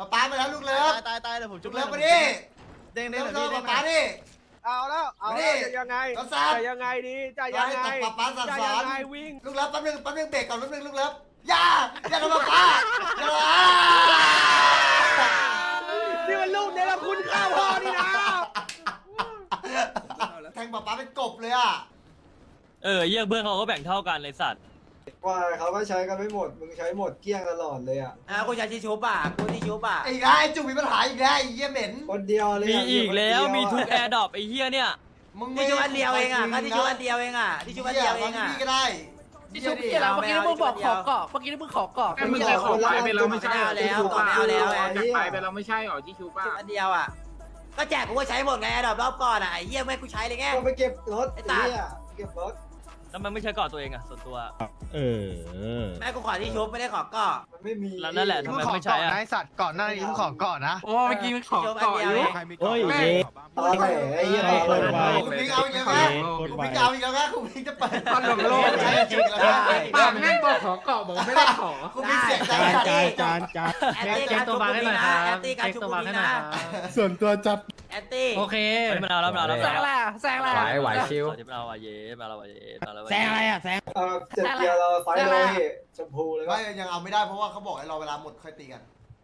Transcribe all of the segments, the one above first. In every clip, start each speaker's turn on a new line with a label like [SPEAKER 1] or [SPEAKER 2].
[SPEAKER 1] ป๊ามาแล้วลูกเลิฟ
[SPEAKER 2] ตายเลยผมจุ
[SPEAKER 1] ลู
[SPEAKER 2] ก
[SPEAKER 1] กเลิ
[SPEAKER 2] เลิ
[SPEAKER 1] ฟ
[SPEAKER 2] ฟ
[SPEAKER 1] มาดิ
[SPEAKER 2] เด้ง
[SPEAKER 1] เลิฟ
[SPEAKER 2] เลย
[SPEAKER 1] เลิ
[SPEAKER 2] พี่
[SPEAKER 1] ฟ
[SPEAKER 2] เด้ง
[SPEAKER 1] ป๊าดิ
[SPEAKER 3] เอาแล้วจะยังไงจะยังไงดีจะยังไง
[SPEAKER 1] ให้ตบป๊าสั่น
[SPEAKER 3] จะ
[SPEAKER 1] ส
[SPEAKER 3] ยั
[SPEAKER 1] อง น
[SPEAKER 3] ไงวิ่ง
[SPEAKER 1] ลูกเลิฟแป๊บนึงเบรกก่อนแป๊บนึงลูกเลิฟอย่าทำป๊าอย่า
[SPEAKER 3] นี่มันลูกเนรคุณข้าวพ่อนี่นะ
[SPEAKER 1] แทงป๊าเป็นกบเลยอ่ะ
[SPEAKER 4] เยี่ยเพื่อนเขาก็แบ่งเท่ากันเลยสัตว์
[SPEAKER 5] ว่าเขาก็ใช้กันไม่หมดมึงใช้หมดเกลี้ยงตลอดเลยอ่ะ
[SPEAKER 2] กูใช้ที่ชูป่ะกูที่ชูป่ะ
[SPEAKER 1] อีกแล้วไอ้จุกมีปัญหาอีกแล้วไอ้เหี้ยเหม็น
[SPEAKER 5] คนเดียวเลย
[SPEAKER 4] มี
[SPEAKER 5] อะ
[SPEAKER 4] อีกแล้ว
[SPEAKER 5] คนเดีย
[SPEAKER 4] มี
[SPEAKER 5] อะ
[SPEAKER 4] ทุกแอร์ดรอปไอ้เฮียเนี่ย
[SPEAKER 1] มึง
[SPEAKER 2] ที่ชูอันเดียวเองอ่ะก็ที่ชูอันเดียวเองอ่ะที่ชูอันเดียวเองอ่ะ
[SPEAKER 1] พี่ก็ได้
[SPEAKER 6] ที่ชุบที่เราเมื่อกี้มึงบอกขอกรอบเมื่อกี้มึงขอกรอบ
[SPEAKER 7] มึงเคยขอไปไปแล้วไม่ใช่
[SPEAKER 2] แล้วก่อนเอาแล้ว
[SPEAKER 7] จากไปไปแล้วไม่ใช่หรอที่ชูป้า
[SPEAKER 2] อันเดียวอ่ะก็แจกกูก็ใช้หมดไงดอกรอบก่อนอ่ะไอ้เหี้ยไม่กูใช้เลยไง
[SPEAKER 5] ก็ไปเก็บรถ
[SPEAKER 2] ไอ้
[SPEAKER 5] ไอ้
[SPEAKER 2] ตา
[SPEAKER 5] เหี้ยเก็บรถ
[SPEAKER 4] แล้วมันไม่ใช่ก่อนตัวเองอะส่วนตัว
[SPEAKER 2] แม่กูขอที่ชุบไม่ได้ขอก็
[SPEAKER 5] มันไม่มี
[SPEAKER 4] แล้วนั่นแหละทำไมไม่ใช้อะ
[SPEAKER 3] นายสัตว์ก่อนหน้านี้มึงขอก่อนนะ
[SPEAKER 7] โอ้เมื่อกี้มันขอก่อนอยู่
[SPEAKER 6] โอ้ย
[SPEAKER 5] ตอนไหนไอ้เหี้ยตอนไหน
[SPEAKER 1] คุณพิงเอาอีกแล้วนะคุณพิงเอาอีกแล้วนะคุณพิงจะเปิด
[SPEAKER 7] ตลกโลก
[SPEAKER 1] ใช่จริงแล้วนะ
[SPEAKER 7] ปากแม่งบอกขอเกาะบอกไม่ได้ขอ
[SPEAKER 1] คุณพิงเสียใจ
[SPEAKER 6] จาน
[SPEAKER 2] แอนตี้การชุบกูนี่นะแอนตี้การชุบกูนี่นะ
[SPEAKER 6] ส่วนตัวจัด
[SPEAKER 2] แอนตี้
[SPEAKER 6] โอเค
[SPEAKER 4] มันเอาแล้วมันเอาแล้ว
[SPEAKER 6] แซงอะไรอ่ะแซงอะไรอ่ะ
[SPEAKER 4] ไหวชิวมันเอาอะเย่มาแล้วอะเย่มาแล้ว
[SPEAKER 6] แซงอะไรอ่ะแซง
[SPEAKER 5] เจ็บเกียร์เราไฟเลยชมพูเลย
[SPEAKER 1] ไม่
[SPEAKER 5] ก็
[SPEAKER 1] ยังเอาไม่ได้เพราะว่าเขาบอกให้รอเวลาหมดค่อยตีกัน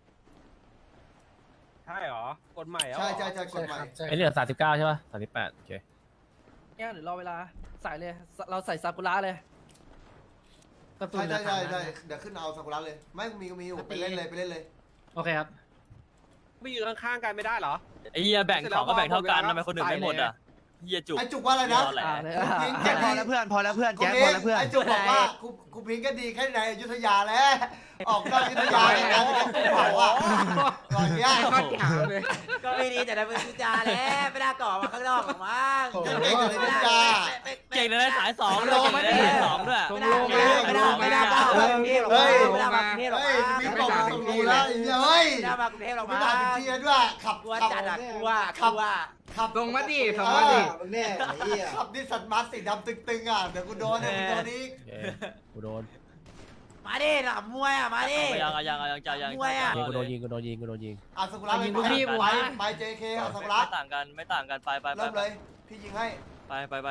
[SPEAKER 3] ใช่หรอกฎใหม่แล้ว
[SPEAKER 1] ใช่กฎใหม่
[SPEAKER 4] ไอเหลือ39ใช่ป่ะ38โอเค
[SPEAKER 6] เนี่ยหรือรอเวลาใส่เลยเราใส่ซากุระเลย
[SPEAKER 1] ใช่เดี๋ยวขึ้นเอาซากุระเลยไม่มีอยู่ไปเล่นเลย
[SPEAKER 6] โอเคครับ
[SPEAKER 3] ไม่ยืนข้างๆกันไม่ได้เหรอ
[SPEAKER 4] ไอ้เฮียแบ่งของก็แบ่งเท่ากันทำไมคนอื่นไม่หมดอะเฮียจุก
[SPEAKER 1] ไอ้จุกว่าอะไรนะ
[SPEAKER 2] แจ็คพอแล้วเพื่อนพอแล้วเพื่อน
[SPEAKER 1] แจ็
[SPEAKER 2] แจ็
[SPEAKER 1] ค
[SPEAKER 2] ค
[SPEAKER 1] พ
[SPEAKER 2] พ
[SPEAKER 1] อ
[SPEAKER 2] อ
[SPEAKER 1] แล้
[SPEAKER 2] แล้ว ว
[SPEAKER 1] เพื่
[SPEAKER 2] เพื่
[SPEAKER 1] อ
[SPEAKER 2] อน น
[SPEAKER 1] ไอ้จุกบอกว่ากูพิงก็ดีแค่ในอยุธยาแล้วออกนอกอยุธยาในการบอกว่าก่อนเนี้ย
[SPEAKER 7] ก็ถามเลย
[SPEAKER 2] ก็ไม่ดีแต่ในเมืองทุจาแล้วไม่ได้ก่อมาข้างนอกหรอกมั้ง
[SPEAKER 1] เก่งในอยุธยา
[SPEAKER 4] เก่งในสาย2ด้วยเก่งในสาย2ด้วย
[SPEAKER 2] ไม่ได้มากรุงเทพหรอกไม่ได้มากรุงเทพหรอก
[SPEAKER 1] เฮ้ยพี่บอกว่าต้องรู้แล้วเฮ้ย
[SPEAKER 2] ไม่ได้มากรุงเทพหรอก
[SPEAKER 1] ไม่
[SPEAKER 2] มั้
[SPEAKER 1] ได้
[SPEAKER 2] ง
[SPEAKER 1] เป็นเทียด้วยขับ
[SPEAKER 2] กลัวจัดอ่ะกลัว
[SPEAKER 7] ลงมาดิ
[SPEAKER 5] มึ
[SPEAKER 7] ลงมาดิ
[SPEAKER 5] งแน่ไอ้เหี้ย
[SPEAKER 1] ขับดิสันมาร์สีดำตึงๆอ่ะเดี๋ยวกูโดนเนี่ยกูโดนอีก
[SPEAKER 4] กูโดน
[SPEAKER 2] มาดิหลับมวยอ่ะมาดิ
[SPEAKER 4] ยังใจยัง
[SPEAKER 1] อ่ะสกุระไป JK อ่ะสกุระ
[SPEAKER 4] ไม่ต่างกันไป
[SPEAKER 1] เริ่มเลยพี่ยิงให้
[SPEAKER 4] ไป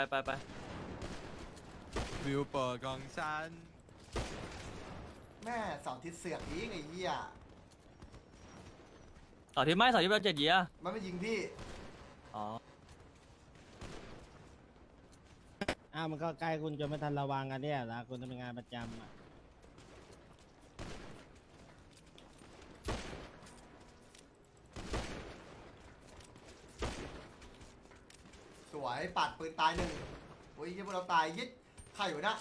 [SPEAKER 8] วิวเปิดของฉัน
[SPEAKER 1] แม่เสาทิศเสือกอีกไอ้เหี้ย
[SPEAKER 4] ต่อที่ไม่ต่อที่เรา7เยีย
[SPEAKER 1] มันไม่ยิงพี่
[SPEAKER 4] อ๋อ
[SPEAKER 6] มันก็ใกล้คุณจนไม่ทันระวังกันเนี่ยนะคุณทำงานประจำอ่ะ
[SPEAKER 1] สวยปัดปืนตายหนึ่งโอ้ยพวกเราตายยิดใครอยู่นะ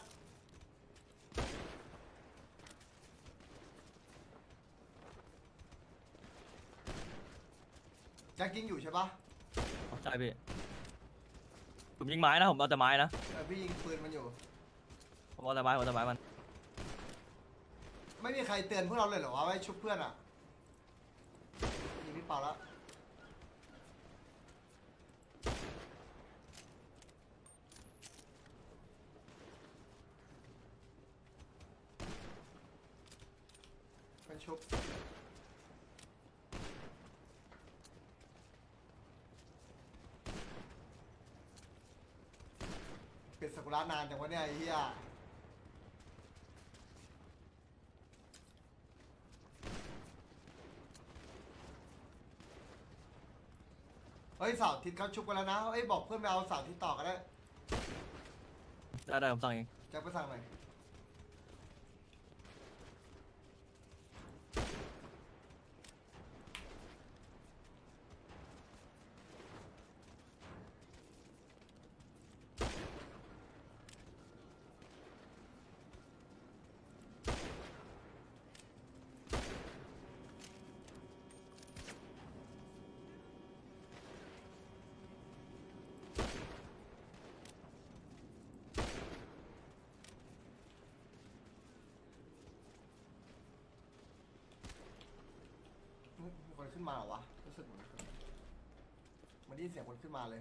[SPEAKER 1] แจ็คยิงอยู่ใช่ปะ
[SPEAKER 4] ใช่พี่ผมยิงไม้นะผมเอาแต่ไม้นะ
[SPEAKER 1] พี่ยิงปืนมันอยู่
[SPEAKER 4] ผมเอาแต่ไม้มัน
[SPEAKER 1] ไม่มีใครเตือนพวกเราเลยเหรอวะไว้ชุบเพื่อนอ่ะยิงพี่เปล่าแล้วเป็นชุบเป็นซากุระนานจังวะเนี่ยไอ้เหี้ยเฮ้ยเสาร์อาทิตย์เขาชุบกันแล้วนะเอ้ยบอกเพื่อนไปเอาเสาร์อาทิตย์ต่อกันได้
[SPEAKER 4] ได้ผมสั่งเอง
[SPEAKER 1] แจ็คไปสั่งหน่อยมีคนขึ้นมาเหรอวะรู้สึกเหมือนมันได้ยินเสียงคนขึ้นมาเลย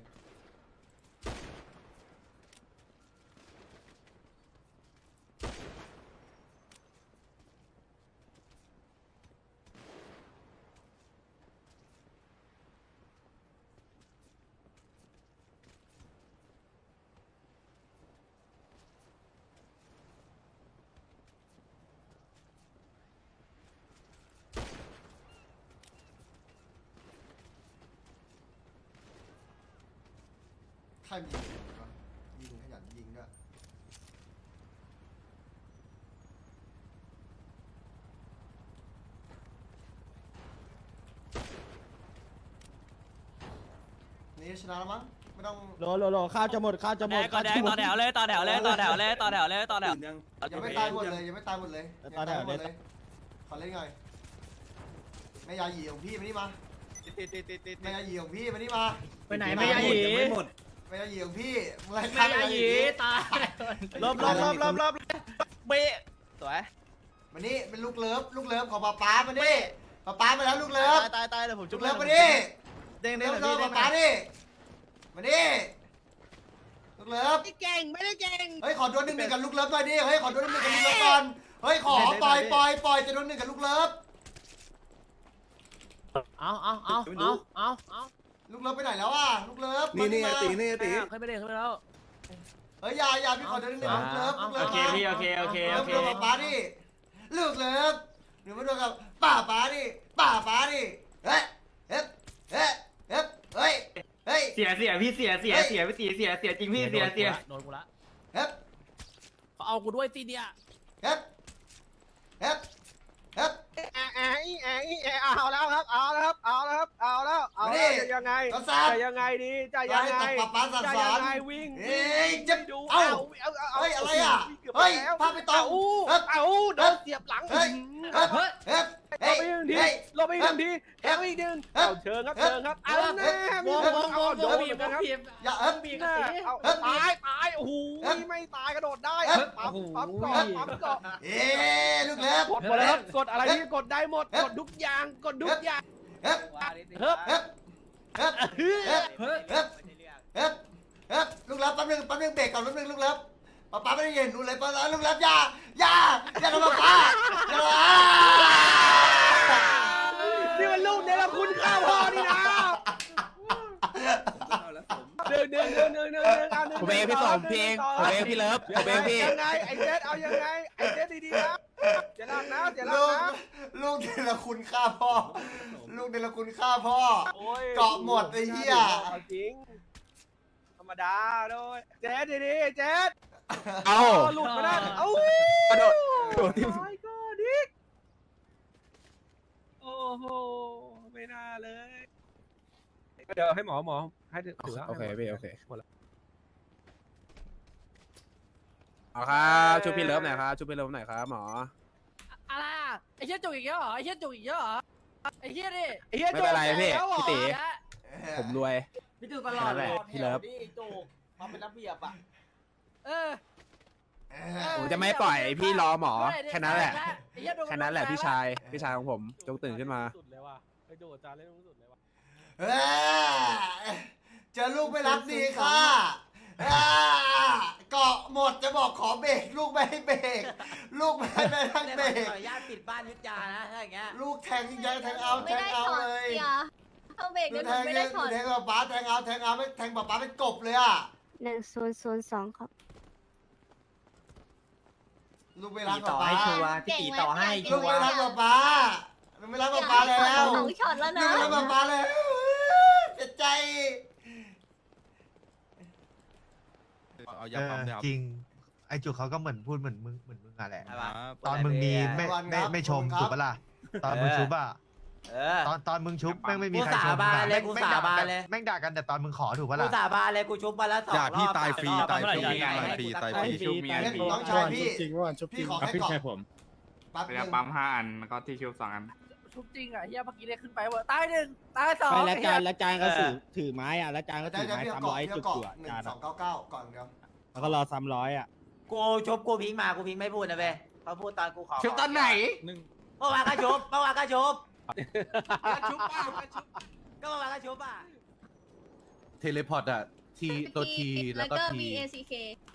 [SPEAKER 1] รยิงวะยิงขยันยิงด้วยนี่ชนะแล้วมั้งไม่ต้อง
[SPEAKER 6] โลข้าวจะหมดข้าวจะหมด
[SPEAKER 4] ต่อแถวเลยต่อแถวเลยต่อแถวเลยต่อแถวเลยต่อแถว
[SPEAKER 1] ยังไม่ตายหมดเลยยังไม่ตายหมดเลยยังตายหมดเลยขอเล่นหน่อยแม่ยาหยีของพี่มานี่มาแม่ยาหยีของพี่มานี่มา
[SPEAKER 7] ไปไหนไม่ยาหยีไม่หมด
[SPEAKER 1] แม่ยาหยีของพี่มึงอะไร
[SPEAKER 7] ไม่ยาหยีตาย
[SPEAKER 4] ลบเบะสวย
[SPEAKER 1] มานี่เป็นลูกเลิฟของป๊ามานี่ป๊ามาแล้วลูกเลิฟ
[SPEAKER 4] ตายเลยผม
[SPEAKER 1] ลู
[SPEAKER 4] จุ๊บ
[SPEAKER 1] กเลิฟมานี่
[SPEAKER 4] เด้ง
[SPEAKER 1] เลิ
[SPEAKER 4] เด้ง
[SPEAKER 1] ฟป๊านี่มานี่ลูกเลิฟ
[SPEAKER 3] ไม่เก่งไม่ได้เก่ง
[SPEAKER 1] เฮ้ยขอโดนหนึ่งกับลูกเลิฟหน่อยดิเฮ้ยขอโดนหนึ่งกับลูกเลิฟก่อนเฮ้ยขอปล่อยจะโดนหนึ่งกับลูกเลิฟ
[SPEAKER 7] เอา
[SPEAKER 1] ลูกเลิฟไปไหนแล้วอ่ะลูกเลิฟ
[SPEAKER 8] นี่นี่
[SPEAKER 1] มา
[SPEAKER 8] ตีนี่ตี
[SPEAKER 7] ขึ้นไปเลยขึ้นไปแล้ว
[SPEAKER 1] เฮ้ยอย่าพี่ขอโดนหนึ่งกับลูกเลิฟ
[SPEAKER 7] โอเคพี่โอเค
[SPEAKER 1] ลูกเลิฟกับป๊าดิลูกเลิฟหรือมาโดนกับป๊าดิเฮ้ยเฮ้ย
[SPEAKER 7] เสียพี่เสียพี่ตีเสียจริงพี่เสียโดนกูละ
[SPEAKER 1] เฮ้ย
[SPEAKER 7] เขาเอากูด้วยตีเนี่ย
[SPEAKER 1] เฮ้ย
[SPEAKER 3] เอาแล้วครับเอาแล้วยังไง
[SPEAKER 1] ก็ซัด
[SPEAKER 3] จะยังไงดีจะ
[SPEAKER 1] อย่า
[SPEAKER 3] ยัง
[SPEAKER 1] ให้
[SPEAKER 3] ไง
[SPEAKER 1] ตกป๊าสั่ง
[SPEAKER 3] จะ
[SPEAKER 1] ส
[SPEAKER 3] ยั
[SPEAKER 1] อง น
[SPEAKER 3] ไงวิ่ง
[SPEAKER 1] เฮ้ยจะเอ้าเฮ้ยอะไรอ่ะ
[SPEAKER 3] เฮ้ยพาไปต่อโดนเสียบหลัง
[SPEAKER 1] เฮ้ย
[SPEAKER 3] ลงไปอีกหนึ่งทีแทงอีกหนึ่งเอาเชิงครับเอาแน่มีเอาโดนนะครับ
[SPEAKER 1] อย่า
[SPEAKER 3] เอาตายโอ้โหไม่ตายกระโดดได้ปั๊มเกาะ
[SPEAKER 1] เอ้ลูกเล็บ
[SPEAKER 3] กดหมดแล้วกดอะไรที่กดได้หมดกดทุกอย่าง
[SPEAKER 1] เฮ้ยลูกเล็บแป๊บนึงเบรกก่อนแป๊บนึงลูกเล็บป๊าไม่ได้เห็นดูเลยป๊าลูกเล็บอย่าทำป๊า
[SPEAKER 3] นี่มันลูกเดลคุณข้าวพ่อนี่นะเดิน
[SPEAKER 4] ผมเองพี่สมพี่เองผมเองพี่เลิฟผมเองพี่
[SPEAKER 3] ยังไงไอเจสเอายังไงไอเจสดีๆนะอย่าลักนะ
[SPEAKER 1] ลูกเดลคุณฆ่าพ่อลูกเดลคุณฆ่าพ่อเกาะหมดไอ้เหี้ย
[SPEAKER 3] จริงธรรมดาด้วยเจสดีๆเจส
[SPEAKER 4] เอา
[SPEAKER 3] หลุดมาได้เอ้าก
[SPEAKER 4] ระโดดที่
[SPEAKER 3] ก็ดิโอ้โหไม่น่าเลยเดี๋ยวให้หมอให้ถือ
[SPEAKER 4] โอเคพี่โอเคเอาครับช่วยพี่เลิฟหน่อยครับช่วยพี่เลิฟหน่อยครับหมอ
[SPEAKER 7] อะไรไอ้เชี่ยจุกอีกแล้วเหรอไอ้เชี่ยจุกอีกแล้วเหรอไอ้เชี่ยดิ
[SPEAKER 4] ไม่เป็นไรพี่พี่ตีผมรวย
[SPEAKER 2] พี่จูตลอด
[SPEAKER 4] นั่นแหละพี่เลิฟ
[SPEAKER 2] จูมาเป็นระเบียบอ่ะ
[SPEAKER 4] ผมจะไม่ปล่อยพี่รอหมอแค่นั้นแหละแค่นั้นแหละพี่ชายของผมจงตื่นขึ้นมา
[SPEAKER 3] สุดเลยว่ะไอโจจาเล่นสุดเลยว่ะ
[SPEAKER 1] เจอลูกไม่รักดีค่ะเกาะหมดจะบอกขอเบรกลูกไม่ให้เบรกลูกไม่ให้ไปทั้งเบรก
[SPEAKER 2] ขออนุญาตปิดบ้านยุทธยานะถ้าอย่างเงี้ย
[SPEAKER 1] ลูกแทงยิงแทงเอาเลย
[SPEAKER 9] เอาเบรก
[SPEAKER 1] ลู
[SPEAKER 9] เดี๋ย
[SPEAKER 1] ก
[SPEAKER 9] วหนูไม่ได้ถอด
[SPEAKER 1] แทงป๊าแทงเอาไม่แทงป๊าเป็นกบเลยอ่ะ
[SPEAKER 9] 1002ครับ
[SPEAKER 1] ลูกไม่รัก
[SPEAKER 2] ต่อ
[SPEAKER 1] ป๊า
[SPEAKER 2] ให้ชัวร์พี่ตีต่อให้
[SPEAKER 1] ลู
[SPEAKER 2] ชั
[SPEAKER 1] ก
[SPEAKER 2] ว
[SPEAKER 1] ไม่
[SPEAKER 2] ร์
[SPEAKER 1] รักป๊าลูกไม่รักป๊าแล้ว
[SPEAKER 9] สองช็อตแล้ว
[SPEAKER 1] ลู
[SPEAKER 9] นะ
[SPEAKER 1] กไม่รักป๊าแล้วเจ็บใจ
[SPEAKER 8] เอายาปั๊มยา
[SPEAKER 10] จริง ไอ้จุกเขาก็เหมือนพูดเหมือนมึงอะแหละ
[SPEAKER 2] อะไรวะ
[SPEAKER 10] ตอนมึงดีไม่ชมถูกปะล่ะตอนมึงชุบอะตอนมึงชุบแม่งไม่มีใครชมแม่งด่ากันแต่ตอนมึงขอถูกปะ
[SPEAKER 2] กู
[SPEAKER 10] ล่ะ
[SPEAKER 2] สาบานเลยกูชุบมาแล้ว2 รอบ
[SPEAKER 8] อย่าพี่ตายฟรี
[SPEAKER 2] แต่
[SPEAKER 8] ตายฟรี
[SPEAKER 2] รอบ
[SPEAKER 8] ตายฟรีตายฟรี
[SPEAKER 1] น้องชายพี่พี่ขอแค่เกาะ ปั๊บ
[SPEAKER 7] เวลาปั๊ม5 อันแล้วก็ที่ชุบ2 อัน
[SPEAKER 3] ชุบจริงอ่ะเฮียเมื่อกี้เรียกขึ้นไปว่าตาย1ตาย2
[SPEAKER 6] ไปแล้วจานก็ถือไม้อ่ะแล้วจานก็ถือไม้ซ้ำร้อยจุกๆจาน
[SPEAKER 1] 1299ก่อนเดียว
[SPEAKER 6] แล้วก็รอซ้ำร้อยอ่ะ
[SPEAKER 2] กูชุบกูพิงมากูพิงไม่พูดนะเว้ยเขาพูดตอนกูขอ
[SPEAKER 7] ชุบตอนไหน
[SPEAKER 2] เมื่อวานก็ชุบก็เมื่อวานก็ชุบอ่ะ
[SPEAKER 10] เทเลพอร์ตอะทีตัวทีแล้วก็ที
[SPEAKER 9] BACK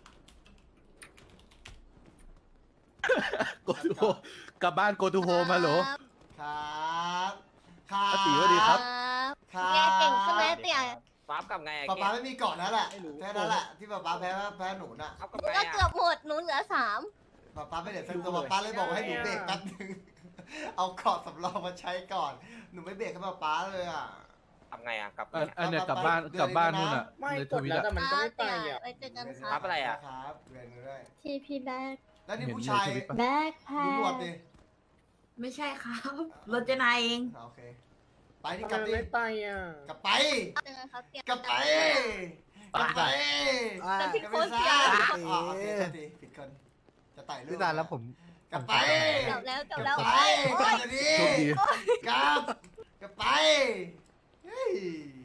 [SPEAKER 10] โกทูโฮกลับบ้านโกทูโฮมาเหรอ
[SPEAKER 1] ครับครับ
[SPEAKER 10] ตีสวัสดีครับ
[SPEAKER 9] แกเก่งขึ้นไหมเตี่ย
[SPEAKER 7] ปั๊มกับไง
[SPEAKER 1] ป๊าไม่มีเกาะแล้วแหละแค่นั้นแหละที่ป๊าแพ้หนูน่ะ
[SPEAKER 7] ปั๊มกับ
[SPEAKER 9] หนู
[SPEAKER 7] ไง
[SPEAKER 9] ก็เกือบหมดหนูเหลือ3
[SPEAKER 1] ป๊าไม่เด็ดสักตัวป๊าเลยบอกให้หนูเบรกแป๊บนึงเอาเกาะสำรองมาใช้ก่อนหนูไม่เบรกให้ป๊าเลยอ่ะ
[SPEAKER 2] ทำไงอ่ะกลับ
[SPEAKER 8] อันเนี้ยกลับบ้านนู่นอ่ะ
[SPEAKER 6] ไม่
[SPEAKER 8] ใน
[SPEAKER 6] ก
[SPEAKER 8] ท
[SPEAKER 6] ด
[SPEAKER 8] วิต
[SPEAKER 6] แล้ว
[SPEAKER 8] อ่ะ
[SPEAKER 6] แต่มันก็ไม่ไปอ่ะ
[SPEAKER 9] ไว้เจอกันค
[SPEAKER 2] ครั
[SPEAKER 9] รั
[SPEAKER 2] บบ อะไรอ่ะ
[SPEAKER 1] ครับเรียนด้วย
[SPEAKER 9] ทีพีแบ็ก
[SPEAKER 1] แล้วนี่ผู้ชาย
[SPEAKER 9] แบ็กแพ
[SPEAKER 1] ดูหนวดดิ
[SPEAKER 9] ไม่ใช่ครับรถเจนายเอง
[SPEAKER 1] โอเคไปที่กลับดิ
[SPEAKER 6] ไม่ไปอ่ะ
[SPEAKER 1] กลับไป
[SPEAKER 9] เจอกันครับเตรียม
[SPEAKER 1] กลับไปกลับไป
[SPEAKER 9] แต่พี่
[SPEAKER 1] กลับ
[SPEAKER 9] โค้
[SPEAKER 1] ไป
[SPEAKER 9] ช
[SPEAKER 1] ซะ
[SPEAKER 9] เสีย
[SPEAKER 1] อ๋อโอเคโทษทีผิดคนจะไต่เรื่อง
[SPEAKER 10] พี่ตาแล้วผม
[SPEAKER 1] กลับไป
[SPEAKER 9] กลับแล้ว
[SPEAKER 1] กลับ
[SPEAKER 9] แล้ว
[SPEAKER 1] ไป
[SPEAKER 9] โอ๊ย
[SPEAKER 1] กลับไป
[SPEAKER 8] โชคดี
[SPEAKER 1] กลับไปเฮ้ย